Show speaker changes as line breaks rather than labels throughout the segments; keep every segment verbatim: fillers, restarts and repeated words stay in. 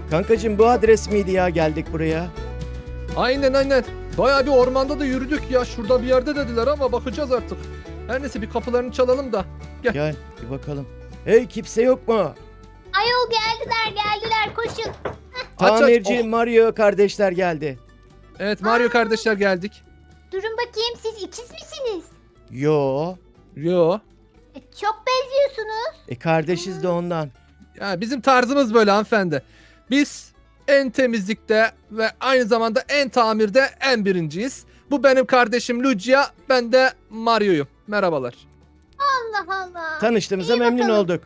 Kankacığım bu adres miydi ya, geldik buraya?
Aynen aynen. Bayağı bir ormanda da yürüdük ya. Şurada bir yerde dediler ama bakacağız artık. Her neyse bir kapılarını çalalım da. Gel.
Gel bir bakalım. Hey, kimse yok mu?
Ayol geldiler geldiler koşun.
Aç, aç.
Tamirci
Oh.
Mario kardeşler geldi.
Evet Mario kardeşler geldik.
Durun bakayım, siz ikiz misiniz?
Yo.
Yo.
E, çok benziyorsunuz.
E kardeşiz de ondan.
Ya bizim tarzımız böyle hanımefendi. Biz en temizlikte ve aynı zamanda en tamirde en birinciyiz. Bu benim kardeşim Lucia, ben de Mario'yum. Merhabalar.
Allah Allah.
Tanıştığımıza
İyi
memnun
bakalım.
olduk.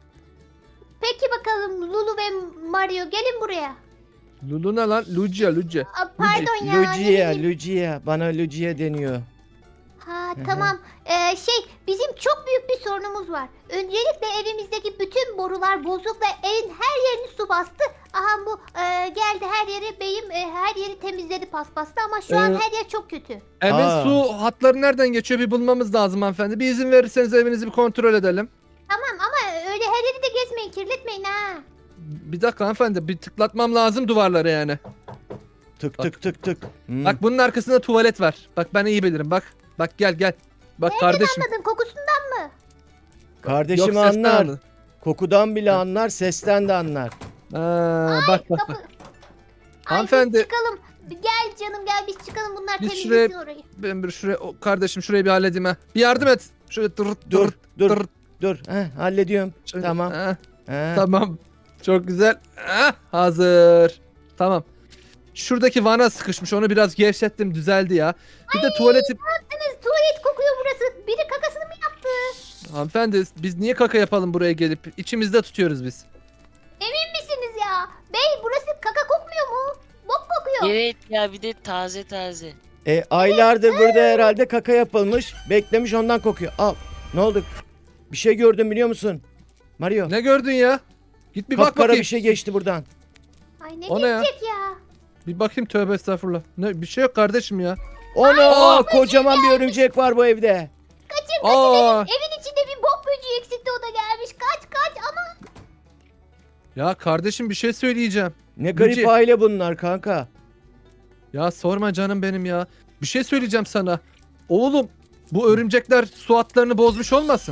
Peki bakalım Lulu ve Mario gelin buraya.
Lulu ne lan? Lucia, Lucia.
Aa, pardon ya. ne
Lucia,
bileyim.
Lucia. Bana Lucia deniyor.
Ha
Hı hı.
tamam. Ee, şey bizim çok büyük bir sorunumuz var. Öncelikle evimizdeki bütün borular bozuk ve evin her yerini su bastı. Aha bu e, geldi her yeri beyim e, her yeri temizledi paspasla ama şu an
Ee,
her yer çok kötü.
Evin
Aa.
su hatları nereden geçiyor bir bulmamız lazım hanımefendi. Bir izin verirseniz evinizi bir kontrol edelim.
Tamam ama öyle her yeri de gezmeyin, kirletmeyin ha.
Bir dakika hanımefendi, bir tıklatmam lazım duvarlara yani.
Tık tık tık tık. Hmm.
Bak bunun arkasında tuvalet var. Bak ben iyi bilirim bak. Bak gel gel. Bak kardeşim.
Anladın kokusundan mı?
Kardeşim
Yok, sesten
anlar.
anladım.
Kokudan bile anlar, sesten de anlar.
Ha, bak bak
Kapı.
bak.
Ay,
Hanımefendi.
biz çıkalım. Gel canım gel biz çıkalım, bunlar
Biz
temizlesin
şuraya-
orayı.
Ben bir şuraya o, kardeşim şurayı bir halledeyim ha. Bir yardım et. Şöyle dur
Dur,
dur
dur,
dur.
dur. Heh, hallediyorum.
Şöyle,
Tamam.
ha,
He.
tamam. Çok güzel. Ha, hazır. Tamam. Şuradaki vana sıkışmış. Onu biraz gevşettim. Düzeldi ya. Bir de tuvaleti...
Deniz, tuvalet kokuyor burası. Biri kakasını mı yaptı?
Hanımefendi biz niye kaka yapalım buraya gelip? İçimizde tutuyoruz biz.
Emin misiniz ya? Bey burası kaka kokmuyor mu? Bok kokuyor.
Evet ya, bir de taze taze.
E, aylardır burada herhalde kaka yapılmış. Beklemiş, ondan kokuyor. Al. Ne oldu? Bir şey gördüm biliyor musun? Mario.
Ne gördün ya? Git bir bak
Kapkara
bakayım.
bir şey geçti buradan.
Ay ne
O ne ya?
geçecek ya?
Bir bakayım, tövbe estağfurullah. Ne, bir şey yok kardeşim ya.
Ona kocaman bir örümcek var bu evde.
Kaçın kaçın,
Aa,
evin, evin içinde bir bok böceği eksikti, o da gelmiş. Kaç kaç ama.
ya kardeşim bir şey söyleyeceğim.
Ne garip
Luigi.
aile bunlar kanka.
Ya sorma canım benim ya. Bir şey söyleyeceğim sana. Oğlum bu örümcekler su hatlarını bozmuş olmasın?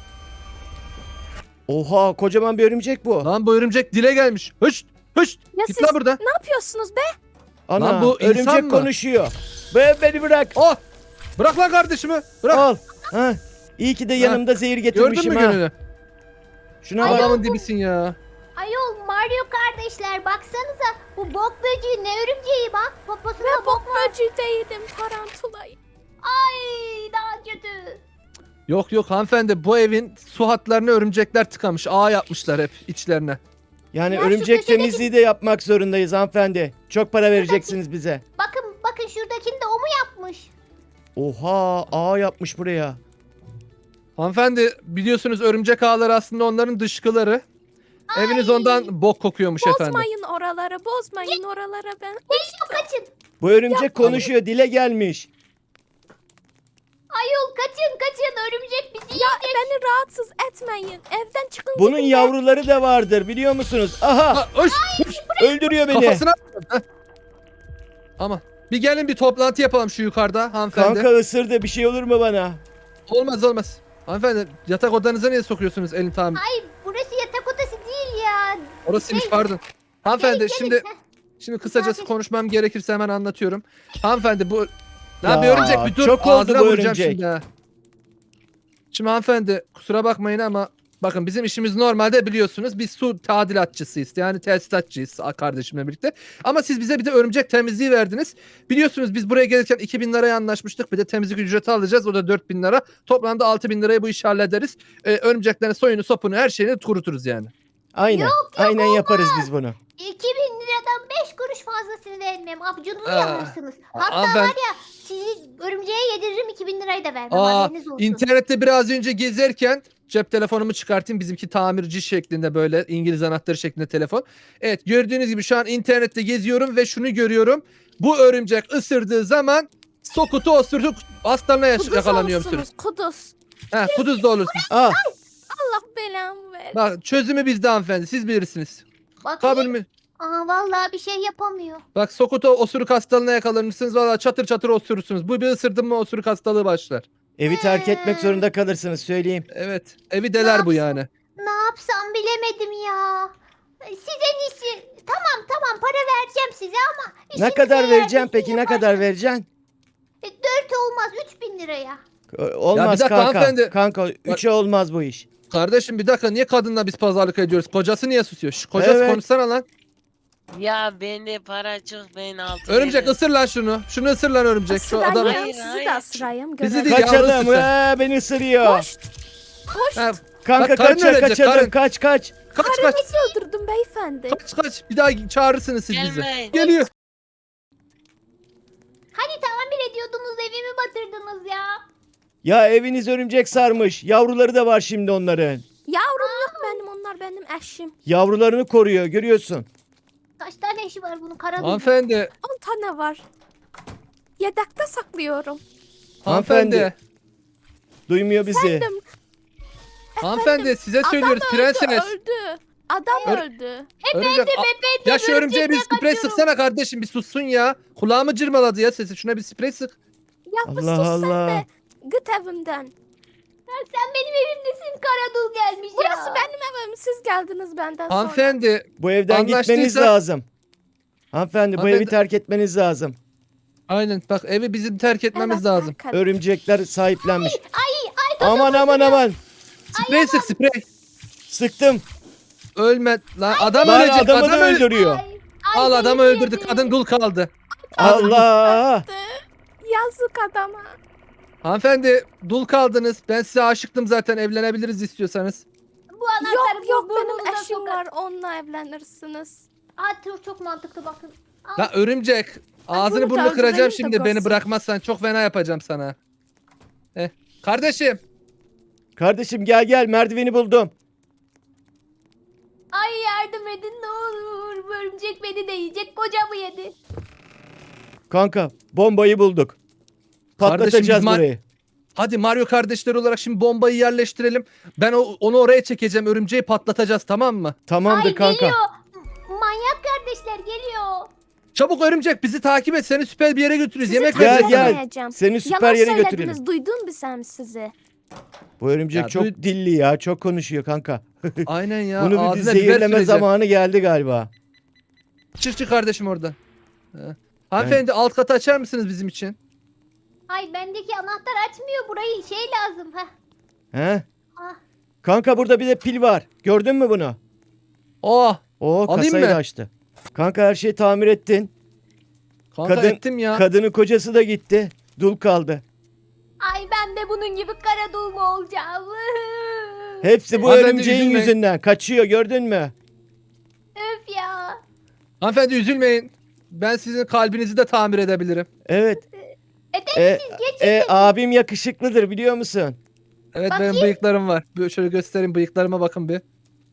Oha, kocaman bir örümcek bu.
Lan bu örümcek dile gelmiş. Hışt hışt.
Ya
Git
siz
lan burada.
ne yapıyorsunuz be?
Ana,
Lan bu insan
örümcek
mı?
konuşuyor. Be, beni bırak.
Oh! Bırak lan kardeşimi. Bırak.
Al. Ha. İyi ki de yanımda zehir
Gördün
getirmişim
mü
ha.
gönlünü?
Şuna bak.
Adamın dibisin ya.
Ayol Mario kardeşler baksanıza, bu bok böceği ne örümceği bak. Poposunda
Ben
bok
bok
var.
böceği değildim, tarantulayım.
Ay daha kötü.
Yok yok hanımefendi, bu evin su hatlarını örümcekler tıkamış. Ağ yapmışlar hep içlerine.
Yani
Ya şu
örümcek
köşedeki-
temizliği de yapmak zorundayız hanımefendi. Çok para vereceksiniz bize.
Bakın bakın şuradakini de o mu yapmış?
Oha, ağ yapmış buraya.
Hanımefendi biliyorsunuz örümcek ağları aslında onların dışkıları. Eviniz ondan bok kokuyormuş efendim.
Bozmayın oraları, bozmayın oralara ben.
Kaçın kaçın.
Bu örümcek konuşuyor, dile gelmiş.
Ayol kaçın kaçın, örümcek bizi
Ya
yiyecek.
beni rahatsız etmeyin. Evden çıkın
Bunun
gidin be.
yavruları da vardır biliyor musunuz? Aha,
Ha, hış, hış.
öldürüyor beni.
Kafasına. Heh. Ama bir gelin bir toplantı yapalım şu yukarıda hanımefendi.
Kanka ısırdı, bir şey olur mu bana?
Olmaz olmaz. Hanımefendi yatak odanıza niye sokuyorsunuz elini tamir?
Ay burası yatak odası değil ya.
Orasıymış
Şey-
pardon. Hanımefendi
Gelin, gelin.
şimdi
Heh.
şimdi kısacası
Misafir.
konuşmam gerekirse hemen anlatıyorum. Hanımefendi bu Lan
Ya,
bir örümcek bir dur.
çok oldu
ağzına
bu
vuracağım
örümcek.
Şimdi, ha. Şimdi hanımefendi kusura bakmayın ama bakın bizim işimiz normalde biliyorsunuz biz su tadilatçısıyız. Yani tesisatçıyız kardeşimle birlikte. Ama siz bize bir de örümcek temizliği verdiniz. Biliyorsunuz biz buraya gelirken iki bin liraya anlaşmıştık. Bir de temizlik ücreti alacağız. O da dört bin lira. Toplamda altı bin liraya bu işi hallederiz. Ee, örümceklerin soyunu sopunu her şeyini kuruturuz yani.
Aynen. Aynen yaparız biz bunu.
iki bin liradan beş kuruş fazlasını vermem. Abucunuzu
Aa,
yanmışsınız. Hatta
aa, ben-
var ya, sizi örümceğe yediririm, iki bin lirayı da vermem.
Aa,
haberiniz olsun.
internette biraz önce gezerken cep telefonumu çıkartayım. Bizimki tamirci şeklinde, böyle İngiliz anahtarı şeklinde telefon. Evet, gördüğünüz gibi şu an internette geziyorum ve şunu görüyorum. Bu örümcek ısırdığı zaman sokutu osurdu hastalığına yaş-
Kuduz
yakalanıyor musunuz?
olursunuz, kuduz.
Ha, kuduz da olursunuz.
Ah,
Allah belamı ver.
Bak çözümü bizde hanımefendi, siz bilirsiniz.
Bakayım.
Kabul mü?
Aa vallahi bir şey yapamıyor.
Bak Sokoto osuruk hastalığına yakalanırsınız. Valla çatır çatır osurursunuz. Bu bir ısırdın mı osuruk hastalığı başlar.
Evi terk etmek
Ee.
zorunda kalırsınız söyleyeyim.
Evet. Evi deler bu yani.
Ne yapsam bilemedim ya. Siz en iyisi tamam tamam para vereceğim size ama
Ne
işinizi
kadar
eğer
vereceğim
düzgün
peki ne kadar
yaparsanız-
vereceksin?
E, Dört olmaz üç bin liraya.
Ö- Olmaz
dakika
kanka.
hanımefendi.
Kanka üçe olmaz bu iş.
Kardeşim bir dakika niye kadınla biz pazarlık ediyoruz? Kocası niye susuyor? Şş, kocası
Evet.
konuşsana lan.
Ya bende para çok ben altı
Örümcek
veririm.
ısır lan şunu. Şunu ısır lan örümcek. Şu
Isırayım,
adamı.
Hayır,
sizi
hayır.
de ısırayım.
Bizi
görelim.
değil.
Kaçalım.
yavrusu sen.
Ee, beni ısırıyor.
Hoş. Hoş.
Ha,
Kanka
Bak, karın
kaçın
ölecek,
kaçalım.
karın.
Kaç kaç.
kaç kaç.
Karınızı öldürdüm beyefendi.
Kaç kaç. Bir daha çağırırsınız siz bizi.
Gelmeyin.
Geliyor.
Hani tamir ediyordunuz evimi batırdınız ya.
Ya eviniz örümcek sarmış. Yavruları da var şimdi onların.
Yavrum yok benim, onlar benim eşim.
Yavrularını koruyor görüyorsun.
Kaç tane eşi var bunun kara dul.
Hanımefendi.
on tane var. Yedekte saklıyorum.
Hanımefendi.
Hanımefendi. Duymuyor bizi.
Efendim,
Hanımefendi size söylüyoruz
adam
prenses.
öldü, öldü. Adam
Ör-
öldü.
Örümcek. A-
Efendim
Ya şu örümceğe bir
örümcekle
sprey
kaçıyorum.
sıksana kardeşim bir sussun ya. Kulağımı cırmaladı ya sesi. Şuna bir sprey sık.
Ya bir
Allah
sus sen
Allah.
de. Git evimden.
Ya sen benim evimdesin kara dul gelmiş ya.
Burası benim evim. Siz geldiniz benden sonra.
Hanımefendi.
Bu evden gitmeniz
Anlaştıysa-
lazım. Hanımefendi bu
Hanımefendi-
evi terk etmeniz lazım.
Aynen bak evi bizim terk etmemiz
Evet,
lazım.
terk edin.
Örümcekler sahiplenmiş.
Ay ay
Aman aman aman.
Sprey sık sprey.
Sıktım.
Ölme. Lan adam
Lan
ölecek.
adamı
Adam
da
öl-
öldürüyor.
Ay, ay,
Al adamı
beni
öldürdü.
yedi.
Kadın dul kaldı.
Allah.
Yazık adama.
Hanımefendi dul kaldınız. Ben size aşıktım zaten. Evlenebiliriz istiyorsanız.
Bu anahtarı
Yok yok
bu- burnunuza
benim eşim
sokar.
var. Onunla evlenirsiniz.
Aa çok, çok mantıklı bakın. Al.
La örümcek. Ağzını
bunu da
burnunu kıracağım
öldürelim de
şimdi. Beni
görsün.
bırakmazsan çok fena yapacağım sana. Eh. Kardeşim.
Kardeşim gel gel merdiveni buldum.
Ay yardım edin ne olur. Bu örümcek beni de yiyecek. Kocamı yedi.
Kanka bombayı bulduk.
Kardeşim,
Patlatacağız
biz ma-
burayı.
Hadi Mario kardeşleri olarak şimdi bombayı yerleştirelim. Ben o, onu oraya çekeceğim. Örümceği patlatacağız tamam mı?
Tamamdır
Ay
kanka.
geliyor. Manyak kardeşler geliyor.
Çabuk örümcek bizi takip et. Seni süper bir yere götürürüz.
Sizi
Yemek
Gel,
vereceğiz
gel.
sana.
tanımayacağım.
Seni süper
Yalan
yere
söylediniz.
götürelim.
Duydun mu sen sizi?
Bu örümcek
Ya,
çok
duy-
dilli ya. Çok konuşuyor kanka.
Aynen ya.
Bunu bir
ağzına biber
zehirleme
süreceğim.
zamanı geldi galiba.
Çık çık kardeşim orada. Ha. Hanımefendi alt katı açar mısınız bizim için?
Ay bendeki anahtar açmıyor burayı. Şey lazım. Heh.
He?
Ah.
Kanka burada bir de pil var. Gördün mü bunu?
Oh.
Oo
Alayım
kasayı
mı?
da açtı. Kanka her şeyi tamir ettin.
Kanka
Kadın-
ettim ya.
Kadının kocası da gitti. Dul kaldı.
Ay ben de bunun gibi kara dul mu olacağım?
Hepsi bu
Hanımefendi,
örümceğin
üzülmeyin.
yüzünden. Kaçıyor gördün mü?
Öf ya.
Hanımefendi üzülmeyin. Ben sizin kalbinizi de tamir edebilirim.
Evet.
Eder
E,
misiniz? Geçin.
e, abim yakışıklıdır biliyor musun?
Evet
Bakayım.
benim bıyıklarım var. Böyle şöyle göstereyim bıyıklarıma bakın bir.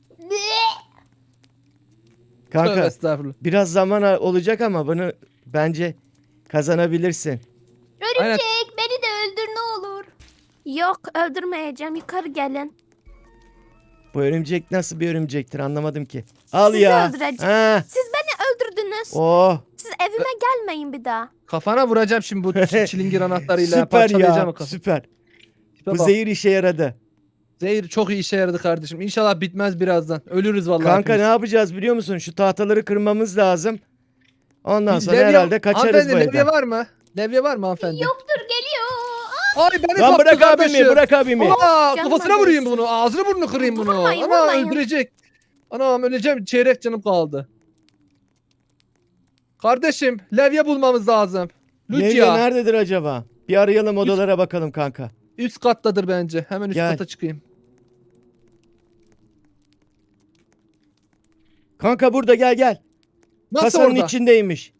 Tövbe
Kanka
estağfurullah.
biraz zaman a- olacak ama bunu bence kazanabilirsin.
Aynen.
Örümcek beni de öldür ne olur.
Yok öldürmeyeceğim. Yukarı gelin.
Bu örümcek nasıl bir örümcektir anlamadım ki. Al
Sizi
ya.
öldüreceğim.
Ha.
Siz beni öldürdünüz.
Oh
Siz evime gelmeyin bir daha.
Kafana vuracağım şimdi bu çi- çilingir anahtarıyla.
süper
Parçalayacağım
ya.
o kafanı.
Süper.
Tipe
Bu
bak.
zehir işe yaradı.
Zehir çok iyi işe yaradı kardeşim. İnşallah bitmez birazdan. Ölürüz vallahi.
Kanka ne
hepimiz.
yapacağız biliyor musun? Şu tahtaları kırmamız lazım. Ondan
Bir
sonra
levye-
herhalde kaçarız
Hanımefendi,
bu
levye
evden.
var mı? Levye var mı hanımefendi?
Yoktur geliyor.
Ay beni
Lan
kaptı
bırak
kardeşim.
abimi bırak abimi.
Aa,
Canıma
kafasına vurayım
değsin.
bunu. Ağzını burnunu kırayım bunu.
Vurmayın,
Ana
vurmayın.
öldürecek. Anam öleceğim. Çeyrek canım kaldı. Kardeşim levye bulmamız lazım.
Levye
Lucia.
nerededir acaba? Bir arayalım odalara bakalım kanka.
Üst kattadır bence. Hemen üst
Gel.
kata çıkayım.
Kanka burada gel gel.
Nasıl
Kasanın
orada?
içindeymiş.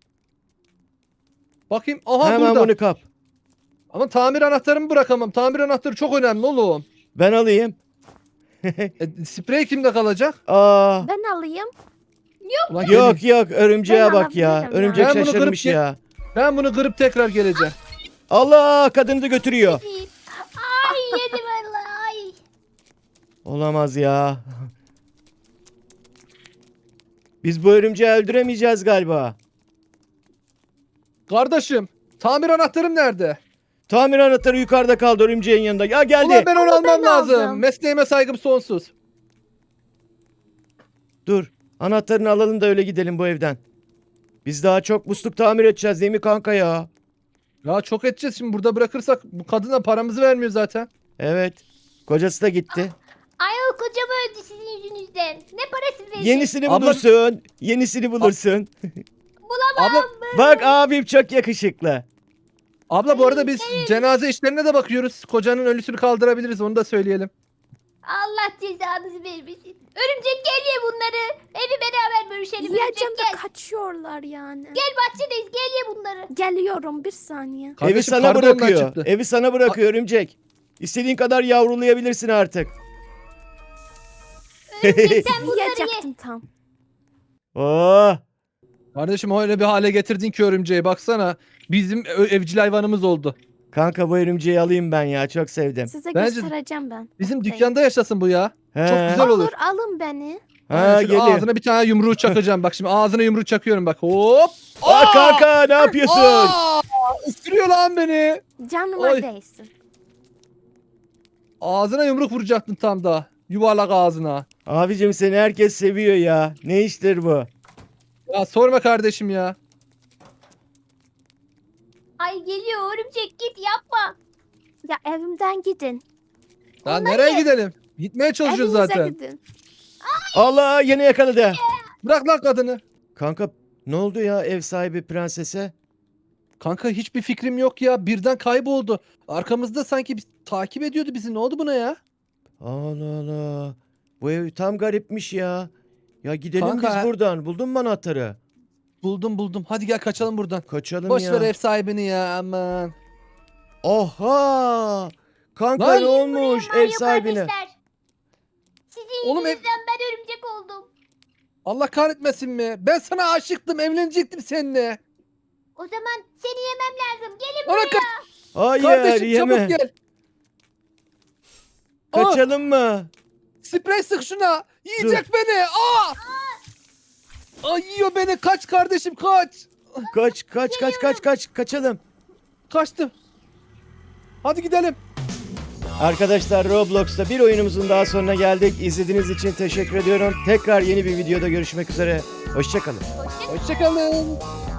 Bakayım. Aha
Hemen
burada.
bunu kap.
Ama tamir anahtarımı bırakamam. Tamir anahtarı çok önemli oğlum.
Ben alayım.
E, sprey kimde kalacak?
Aa.
Ben alayım.
Ulan gelin.
Yok yok örümceğe
Ben
bak ya.
alabilirim ya.
Örümcek
Ben bunu kırıp
şaşırmış
ge-
ya.
Ben bunu kırıp tekrar geleceğim.
Allah kadını da götürüyor.
Ay yedim vallahi. Ay.
Olamaz ya. Biz bu örümceği öldüremeyeceğiz galiba.
Kardeşim tamir anahtarım nerede?
Tamir anahtarı yukarıda kaldı örümceğin yanında. Ya geldi.
Ulan ben onu
Ama ben
almam lazım.
aldım.
Mesleğime saygım sonsuz.
Dur. Anahtarını alalım da öyle gidelim bu evden. Biz daha çok musluk tamir edeceğiz değil mi kanka ya?
Ya çok edeceğiz şimdi burada bırakırsak bu kadına paramızı vermiyor zaten.
Evet. Kocası da gitti.
Ay o kocam öldü sizin yüzünüzden. Ne parası verecek?
Yenisini
Abla-
bulursun. Yenisini bulursun.
Abla,
Bak abim çok yakışıklı.
abla bu arada biz cenaze işlerine de bakıyoruz. Kocanın ölüsünü kaldırabiliriz onu da söyleyelim.
Allah cezanızı vermesin. Örümcek gel ye bunları. Evi beraber bölüşelim. Örümcek
Yiyeceğim de
gel.
kaçıyorlar yani.
Gel bahçedeyiz gel ye bunları.
Geliyorum bir saniye.
Evi
Kardeşim,
sana
karı da ondan
bırakıyor.
çıktı.
Evi sana bırakıyor örümcek. İstediğin kadar yavrulayabilirsin artık.
Örümcek sen bunları ye.
Yiyecektim tam.
Oh.
Kardeşim öyle bir hale getirdin ki örümceği baksana. Bizim ö- evcil hayvanımız oldu.
Kanka bu örümceği alayım ben ya. Çok sevdim.
Size
Bence
göstereceğim ben.
Bizim
Bekleyin.
dükkanda yaşasın bu ya.
He.
Çok güzel olur.
Olur alın beni.
Ha
Aynen, şöyle
geliyor.
ağzına bir tane yumruğu çakacağım. Bak şimdi ağzına yumruğu çakıyorum bak. Hop.
Aa kanka ne yapıyorsun?
Aa! Isırıyor lan beni.
Canıma
Oy.
değsin.
Ağzına yumruk vuracaktın tam da. Yuvarlak ağzına.
Abicim seni herkes seviyor ya. Ne iştir bu?
Ya sorma kardeşim ya.
Ay geliyor örümcek git yapma.
Ya evimden gidin.
Ya nereye gidelim? Gitmeye çalışıyoruz
Evinize
zaten.
gidin.
Allah yine yakaladı.
Bırak lan kadını.
Kanka ne oldu ya ev sahibi prensese?
Kanka hiçbir fikrim yok ya. Birden kayboldu. Arkamızda sanki bir takip ediyordu bizi. Ne oldu buna ya?
Allah Allah. Bu ev tam garipmiş ya. Ya gidelim
Kanka-
biz buradan. Buldun mu anahtarı?
Buldum buldum. Hadi gel kaçalım buradan.
Kaçalım
Boş
ya.
ver ev sahibini ya aman.
Oha! Kanka
Lan-
ne olmuş ev
Mario
sahibine?
kardeşler. Sizin
Oğlum ev-
yüzünüzden ben örümcek oldum.
Allah kahretmesin mi? Ben sana aşıktım. Evlenecektim seninle.
O zaman seni yemem lazım. Gelin
Ona
buraya.
ka-
Hayır
kardeşim
yeme.
çabuk gel. Aa,
Kaçalım mı?
sprey sık şuna. Yiyecek beni. Aa! Ay yiyor beni. Kaç kardeşim kaç.
Kaç kaç kaç kaç kaç kaçalım.
Kaçtım. Hadi gidelim.
Arkadaşlar Roblox'ta bir oyunumuzun daha sonuna geldik. İzlediğiniz için teşekkür ediyorum. Tekrar yeni bir videoda görüşmek üzere. Hoşçakalın.
Hoşçakalın.